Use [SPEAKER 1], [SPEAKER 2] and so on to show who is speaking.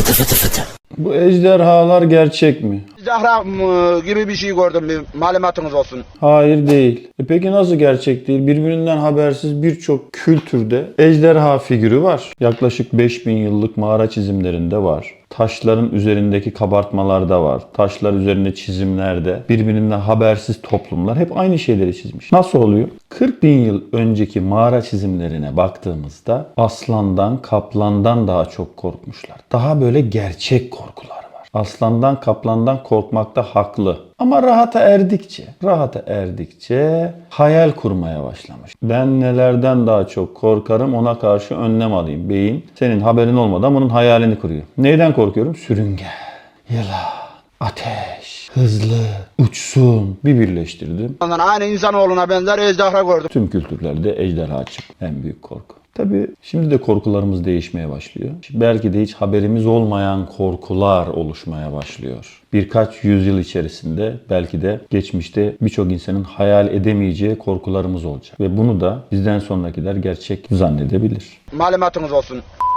[SPEAKER 1] Bu ejderhalar gerçek mi?
[SPEAKER 2] Zahra gibi bir şey gördüm, bir malumatınız olsun.
[SPEAKER 1] Hayır değil. Peki nasıl gerçek değil? Birbirinden habersiz birçok kültürde ejderha figürü var. Yaklaşık 5000 yıllık mağara çizimlerinde var. Taşların üzerindeki kabartmalarda var. Taşlar üzerinde çizimlerde birbirinden habersiz toplumlar hep aynı şeyleri çizmiş. Nasıl oluyor? 40 bin yıl önceki mağara çizimlerine baktığımızda aslandan, kaplandan daha çok korkmuşlar. Daha böyle gerçek korkular var. Aslandan, kaplandan korkmakta haklı. Ama rahata erdikçe hayal kurmaya başlamış. Ben nelerden daha çok korkarım, ona karşı önlem alayım. Beyin senin haberin olmadan bunun hayalini kuruyor. Neyden korkuyorum? Sürüngen, yılan, ateş, hızlı, uçsun. Bir birleştirdim.
[SPEAKER 2] Ondan aynı insanoğluna benzer ejderha gördüm.
[SPEAKER 1] Tüm kültürlerde ejderha çıktı. En büyük korku. Tabii şimdi de korkularımız değişmeye başlıyor. Belki de hiç haberimiz olmayan korkular oluşmaya başlıyor. Birkaç yüzyıl içerisinde belki de geçmişte birçok insanın hayal edemeyeceği korkularımız olacak. Ve bunu da bizden sonrakiler gerçek zannedebilir.
[SPEAKER 2] Malumatınız olsun.